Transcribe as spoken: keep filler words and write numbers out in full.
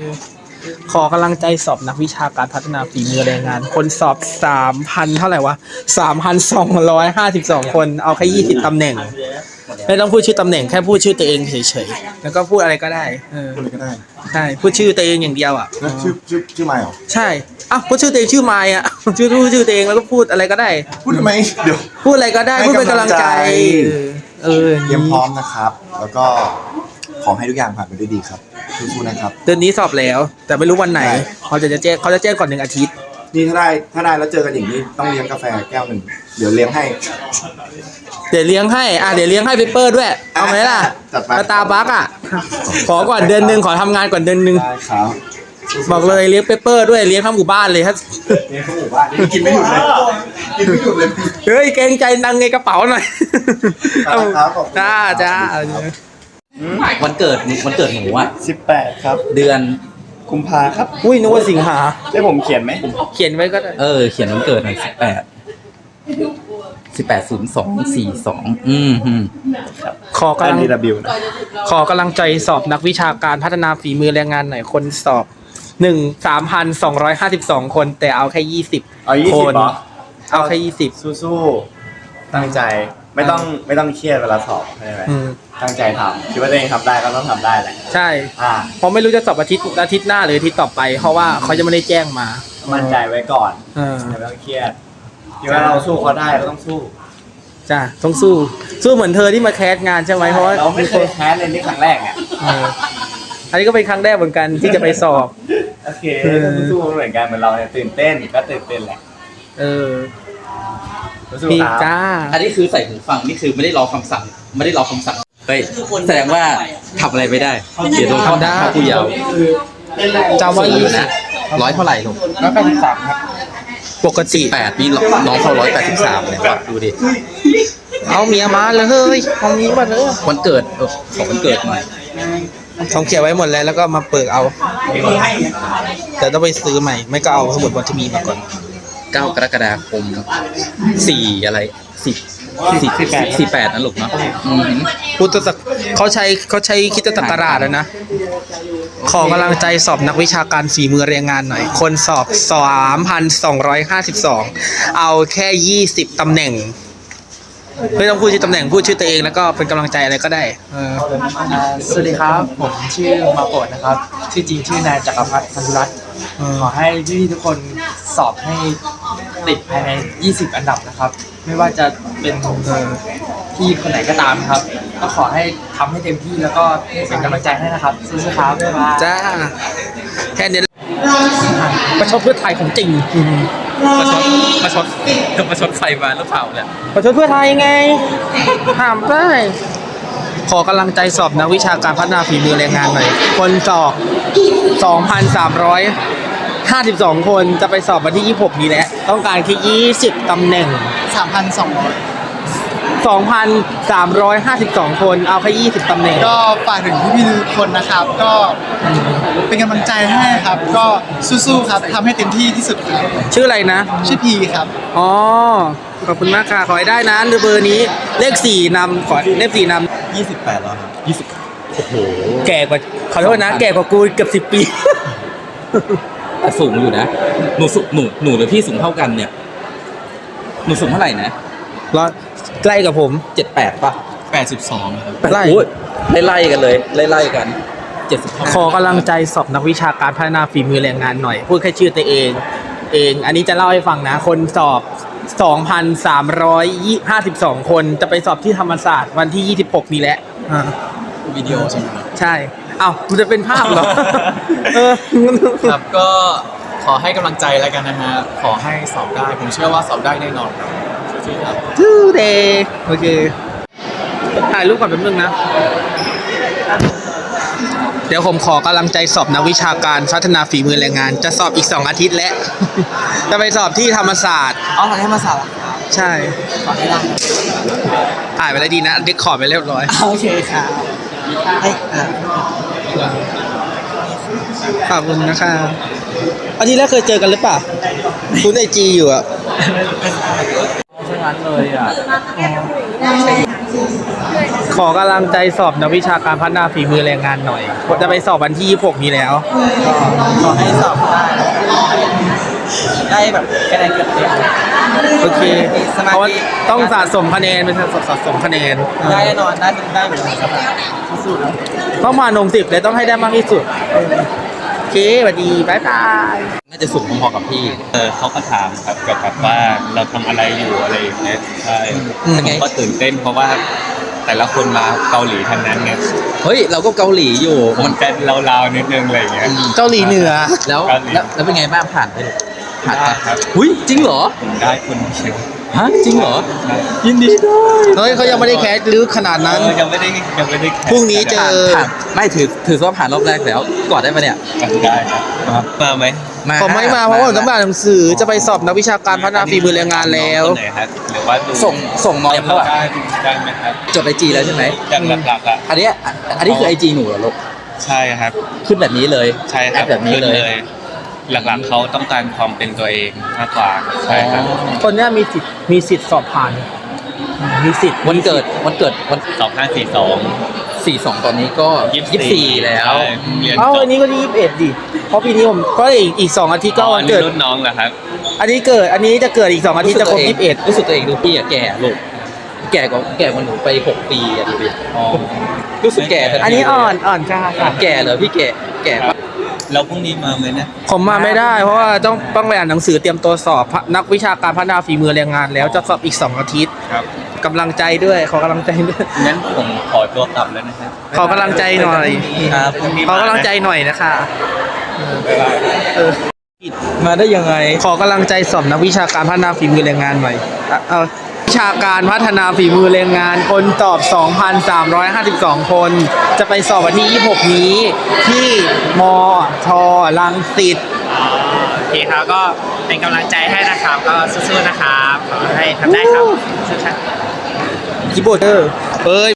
ขอกำลังใจสอบนักวิชาการพัฒนาฝีมือแรงงานคนสอบสามพันเท่าไหร่วะสามพันสองร้อยห้าสิบสองคนเอาแค่ยี่สิบตำแหน่งไม่ต้องพูดชื่อตำแหน่งแค่พูดชื่อตัวเองเฉยๆแล้วก็พูดอะไรก็ได้เออพูดอะไรก็ได้ใช่พูดชื่อตัวเองอย่างเดียวอ่ะแล้วชื่อชื่อชื่อไมค์เหรอใช่อ้าวพูดชื่อตัวเองชื่อไมค์อ่ะชื่อพูดชื่อตัวเองแล้วก็พูดอะไรก็ได้พูดทำไมเดี๋ยวพูดอะไรก็ได้พูดเป็นกำลังใจเออเตรียมพร้อมนะครับ แล้วก็ขอให้ทุกอย่างผ่านไปด้วยดีครับสู้ๆนะครับเดือนนี้สอบแล้วแต่ไม่รู้วันไหนเขาจะแจ้งเขาจะแจ้งก่อนหนึ่งอาทิตย์นี่ถ้าได้ถ้าได้แล้วเจอกันอย่างนี้ต้องเลี้ยงกาแฟแก้วหนึ่งเดี๋ยวเลี้ยงให้เดี๋ยวเลี้ยงให้อ่ะเดี๋ยวเลี้ยงให้เปเปอร์ด้วยเอาไหมล่ะสตาร์บัคอ่ะขอก่อนเดือนหนึ่งขอทำงานก่อนเดือนหนึ่งได้ครับบอกเลยเลี้ยงเปเปอร์ด้วยเลี้ยงทั้งหมู่บ้านเลยครับเลี้ยงทั้งหมู่บ้านกินไม่หยุดเลยกินไม่หยุดเลยเฮ้ยเกรงใจนังไงกระเป๋าหน่อยจ้าจ้าวันเกิดวันเกิดหนูอ่ะสิบแปดครับเดือนกุมภาครับอุ้ยนึกว่าสิงหาได้ผมเขียนไหมเขียนไว้ก็ได้เออเขียนวันเกิดหน่อยสิบแปดสิบแปดศูนย์สองสี่สองอืมอืมขอกำลังขอกำลังใจสอบนักวิชาการพัฒนาฝีมือแรงงานหน่อยคนสอบหนึ่งสามพันสองร้อยห้าสิบสองคนแต่เอาแค่ยี่สิบคนเอาแค่ยี่สิบสู้ๆตั้งใจไม่ต้องไม่ต้องเครียดเวลาสอบใช่ไหมตั้งใจทำคิดว่าตัวเองทำได้ก็ต้องทำได้แหละใช่เพราะไม่รู้จะสอบอาทิตย์อาทิตย์หน้าหรืออาทิตย์ต่อไปเพราะว่าเขาจะไม่ได้แจ้งมามั่นใจไว้ก่อนไม่ต้องเครียดคิดว่าเราสู้เขาได้เราต้องสู้จ้าต้องสู้สู้เหมือนเธอที่มาแคสงานใช่ไหมเพราะว่าเราไม่เคยแคสเลยนี่ครั้งแรกเนี่ยอันนี้ก็เป็นครั้งแรกเหมือนกันที่จะไปสอบโอเคสู้เหมือนกันเหมือนเราเนี่ยตื่นเต้นก็ตื่นเต้นแหละเออพี่จ้าอันนี้คือใส่หูฟังนี่คือไม่ได้รอคำสั่งไม่ได้รอคำสั่งเฮ้ยแสดงว่าทำอะไรไม่ได้เดี๋ยวโดนข้อได้ผู้เยาว์จำว่ายี่สิบร้อยเท่าไหร่ลูกร้อยแปดสิบสามครับปกติแปดนี่น้องเขาร้อยแปดสิบสามเลยว่ะดูดิเอาเมียมาเลยเฮ้ยเอาเมียมาเลยวันเกิดขอวันเกิดหน่อยเขาเขียนไว้หมดแล้วแล้วก็มาเปิดเอาแต่ต้องไปซื้อใหม่ไม่ก็เอาสมุดวันที่มีมาก่อนเก้ากรกฎาคมสี่อะไรสี่สี่สี่แปดสี่แปดนะลูกเนาะพุทธศักราชเขาใช้เขาใช้คริสตศักราชแล้วนะขอกำลังใจสอบนักวิชาการฝีมือแรงงานหน่อยคนสอบสามพันสองร้อยห้าสิบสองเอาแค่ยี่สิบตำแหน่งไม่ต้องพูดชื่อตำแหน่งพูดชื่อตัวเองแล้วก็เป็นกำลังใจอะไรก็ได้สวัสดีครับผมชื่อมาโปรดนะครับชื่อจริงชื่อนายจักรพัฒน์พันธุรัตน์ขอให้พี่ทุกคนสอบให้ติดภายในยี่สิบอันดับนะครับไม่ว่าจะเป็นที่คนไหนก็ตามครับก็ขอให้ทำให้เต็มที่แล้วก็เป็นกำลังใจให้นะครับสู้ๆครับจ้าแค่นี้ประชดเพื่อไทยของจริงประชดประชดประชดใครมาหรือเปล่าเนี่ยประชดเพื่อไทยไงถามได้ขอกำลังใจสอบนักวิชาการพัฒนาฝีมือแรงงานหน่อยคนสอบ สองพันสามร้อยห้าสิบสอง คนจะไปสอบวันที่ยี่สิบหกนี้แหละต้องการแค่ยี่สิบตำแหน่งสามพันสองร้อยสองพันสามร้อยห้าสิบสอง คนเอาแค่ยี่สิบตำแหน่งก็ฝากถึงพี่ๆทุกคนนะครับก็เป็นกำลังใจให้ครับก็สู้ๆครับทำให้เต็มที่ที่สุดครับชื่ออะไรนะชื่อพีครับอ๋อขอบคุณมากค่ะขอให้ได้นะเบอร์นี้เลขสี่นำขอเลขสี่นำยี่สิบแปดแล้วครับยี่สิบโอ้โหแก่กว่าขอโทษนะแก่กว่ากูเกือบสิบปีแต่สูงอยู่นะหนูสูงหนูหนูหรือพี่สูงเท่ากันเนี่ยหนูสูงเท่าไหร่นะร้อยใกล้กับผมเจ็ดแปดป่ะแปดสิบสองครับไล่ไล่ไล่กันเลยไล่ไล่กันเจ็ดสิบขอกำลังใจสอบนักวิชาการพัฒนาฝีมือแรงงานหน่อยพูดแค่ชื่อตัวเองเองอันนี้จะเล่าให้ฟังนะคนสอบ สองพันสามร้อยห้าสิบสอง คนจะไปสอบที่ธรรมศาสตร์วันที่ยี่สิบหกนี้แหละวิดีโอใช่ไหมใช่อ้าวมันจะเป็นภาพเหรอเออครับก็ขอให้กำลังใจแล้วกันนะฮะขอให้สอบได้ผมเชื่อว่าสอบได้แน่นอนครับทูเดย์โอเคถ่ายรูปก่อนแป๊บนึงนะเดี๋ยวผมขอกำลังใจสอบนักวิชาการพัฒนาฝีมือแรงงานจะสอบอีกสองอาทิตย์แล้วจะไปสอบที่ธรรมศาสตร์อ๋อธรรมศาสตร์ใช่ขอให้ได้ถ่ายไปแล้วดีนะเด็กขอไปเรียบร้อยโอเคค่ะขอบคุณนะคะอาทิตย์แรกเคยเจอกันหรือเปล่าคุณไอจีอยู่อ่ะใช่งั้นเลยอ่ะขอกำลังใจสอบนักวิชาการพัฒนาฝีมือแรงงานหน่อยจะไปสอบวันที่ยี่สิบหกนี้แล้วขอให้สอบได้ได้แบบคะแนนเกือบเต็มโอเคสมาธิเพราะว่าต้องสะสมคะแนนเป็นสะสมคะแนนได้แน่นอนได้ได้เหมือนกันสบายสู้ๆนะต้องมาลงสิบเลยต้องให้ได้มากที่สุดโอเคสวัสดีบ๊ายบายน่าจะสูงพอๆกับพี่เออเขาก็ถามครับเกี่ยวกับว่าเราทำอะไรอยู่อะไรอย่างเงี้ยใช่เป็นไงผมก็ตื่นเต้นเพราะว่าแต่ละคนมาเกาหลีทั้งนั้นไงเฮ้ยเราก็เกาหลีอยู่มัมัน นจะลาวๆนิดนึงอะไรอย่างเงี้ยเกาหลีเหนือแล้วเกาหลีแล้วแล้วเป็นไงบ้างผ่านไปหรือผ่านได้ปะครับหุ้ยจริงเหรอผมได้คนเชียวฮะจริงเหรอยินดีด้วยเฮ้ยเขายังไม่ได้แคสลึกขนาดนั้นเออยังไม่ได้ยังไม่ได้แข่พรุ่งนี้เจผ่านอผ่านไม่ถือถือว่าผ่านรอบแรกแล้วกอดได้ปะเนี่ยกันได้ครับมาไหมผมไม่มาเพราะว่าผมต้องอ่านหนังสือจะไปสอบนักวิชาการพัฒนาฝีมือแรงงานแล้วคนไหนครับหรือว่าดูส่งส่งมอเตรียมเขาอะได้ได้ไหมครับจดไอจีแล้วใช่ไหมอย่างหลักๆอ่ะอันเนี้ยอันนี้คือไอจีหนูเหรอลูกใช่ครับขึ้นแบบนี้เลยใช่คแอรับปแบบนี้ขึ้นเลยเลย หลักๆเขาต้องการความเป็นตัวเองมากกว่าใช่ครับคนเนี้ยมีสิทธิ์มีสิทธิ์สอบผ่าน มีสิทธิ์วันเกิดวันเกิดวันสองห้าสี่สองสี่สองตอนนี้ก็ยี่สิบสี่แล้วเรียนเอ้าจบอันนี้ก็ยี่สิบเอ็ดดิเพราะปีนี้ผมก็อีกอีกสองอาทิตย์ก็วันเกิดอ๋ออัรุ่นน้องเหรอครับอันนี้เกิดอันนี้จะเกิดอีกสองอาทิตย์จะครบยี่สิบเอ็ดรู้สึกตัวเองดูพี่อะแก่ลูกแก่กว่าแก่กว่าหนูไปหกปีอะดูดิอ๋อรู้สึกแก่ทัทีอันนี้อ่อนอ่อนกล้าค่ะแก่เหรอพี่แก่แก่ปะแล้วพรุ่งนี้มาไหมนะผมมาไม่ได้ เพราะว่าต้องต้องไปอ่านหนังสือเตรียมตัวสอบนักวิชาการพัฒนาฝีมือแรงงานแล้วจะสอบอีกสองอาทิตย์ครับกำลังใจด้วยขอกำลังใจด้วยงั้นผมขอตัวกลับแล้วนะครับขอกำลังใจหน่อยครับพรุ่งนี้ขอกำลังใจหน่อยนะคะบ๊ายบายเออมาได้ยังไงขอกำลังใจสอบนักวิชาการพัฒนาฝีมือแรงงานหน่อยอ่ะเอาวิชาการพัฒนาฝีมือแรงงาน คนตอบ สองพันสามร้อยห้าสิบสอง คน จะไปสอบวันที่ยี่สิบหกนี้ที่มทรังสิตโอเคครับก็เป็นกำลังใจให้นะครับก็สู้ๆนะครับขอให้ทำได้ครับสู้ๆคีย์บอร์ดเออเอ้ย